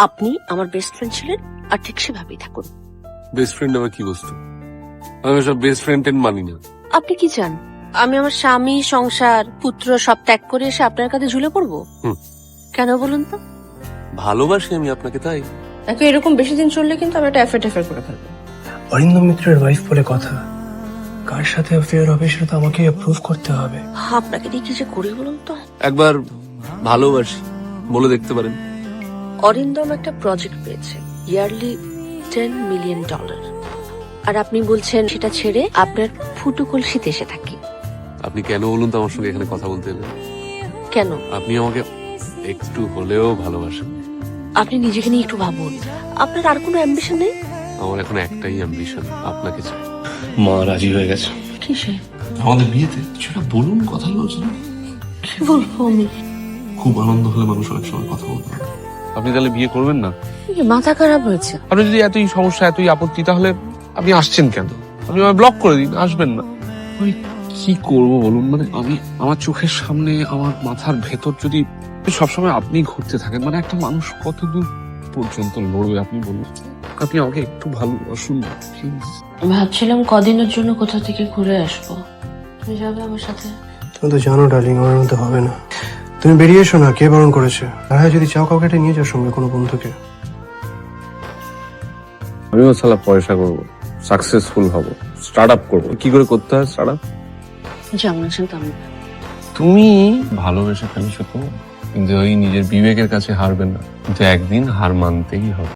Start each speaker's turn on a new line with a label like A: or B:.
A: আপনি আমার best friend ছিলেন, আর ঠিক সেভাবেই থাকুন।
B: বেস্ট ফ্রেন্ড আবার কি বস্তু? আমি সব বেস্ট ফ্রেন্ড মানি না।
A: আপনি কি চান আমি আমার স্বামী, সংসার, পুত্র সব ত্যাগ করে এসে আপনার কাছে ঝুলে পড়বো? কেন বলুন তো?
B: ভালোবাসি আমি আপনাকে, তাই।
A: নাকি এরকম বেশি দিন চললে কিন্তু আমি একটা অ্যাফেয়ার করে ফেলবো।
C: অরিন্দম মিত্রের ওয়াইফ বলে কথা, কার সাথে অ্যাফেয়ার হবে সেটা তো আমাকে অ্যাপ্রুভ করতে হবে।
A: আপনাকে দিয়ে কি যে করি বলুন তো।
B: একবার ভালোবাসি বলে দেখতে পারেন।
A: অরিন্দম একটা প্রজেক্ট পেয়েছে, ইয়ারলি $10 মিলিয়ন, আর আপনি বলছেন সেটা ছেড়ে আপনার ফুটো কলসিতে এসে থাকি।
B: আপনি কেন বলুন তো আমার সঙ্গে এখানে কথা বলতে এলেন?
A: কেন?
B: আপনি আমাকে একটু হলেও ভালোবাসেন।
A: আপনি নিজেকে নিয়ে একটু ভাবুন, আপনার আর কোনো অ্যাম্বিশন নেই?
B: আমার এখন একটাই অ্যাম্বিশন, আপনাকে চাই।
C: মা রাজি হয়ে গেছে।
A: কিসে?
B: আমাদের বিয়েতে সেটা বলুন, কথা বলছেন।
A: কি বলবো আমি?
B: খুব আনন্দ হলে মানুষ অনেক সময় কথা বলতে পারে। আপনি তাহলে বিয়ে করবেন না?
A: মাথা খারাপ হয়েছে?
B: আপনি যদি এতই সমস্যা, এতই আপত্তি, তাহলে আপনি আসছেন কেন? আপনি আমায় ব্লক করে দিন, আসবেন না। আমি কি করবো বলুন? মানে আমি আমার চোখের সামনে, আমার মাথার ভেতর যদি সবসময় আপনি ঘুরতে থাকেন, মানে একটা মানুষ কতদূর পর্যন্ত লড়বে আপনি বলুন? আপনি আমাকে একটু ভালোবাসুন প্লিজ।
A: ভাবছিলাম কদিনের জন্য কোথা থেকে ঘুরে আসবো, তুমি যাবে আমার সাথে?
C: তুমি তো জানো ডার্লিং, আমার মধ্যে হবে না। তুমি বেরিয়ে এসো না, কে বারণ করেছে? আর হ্যাঁ, যদি চাও কাউকে একটা নিয়ে যাও সঙ্গে, কোনো বন্ধুকে।
B: আমিও সালা পয়সা করবো, সাকসেসফুল হব, স্টার্ট আপ করবো। কি করে করতে হয় স্টার্ট আপ?
A: যেমন আছেন তেমন।
B: তুমি ভালোবেসে ফেলছো তো, কিন্তু ওই নিজের বিবেকের কাছে হারবে না, কিন্তু একদিন হার মানতেই হবে।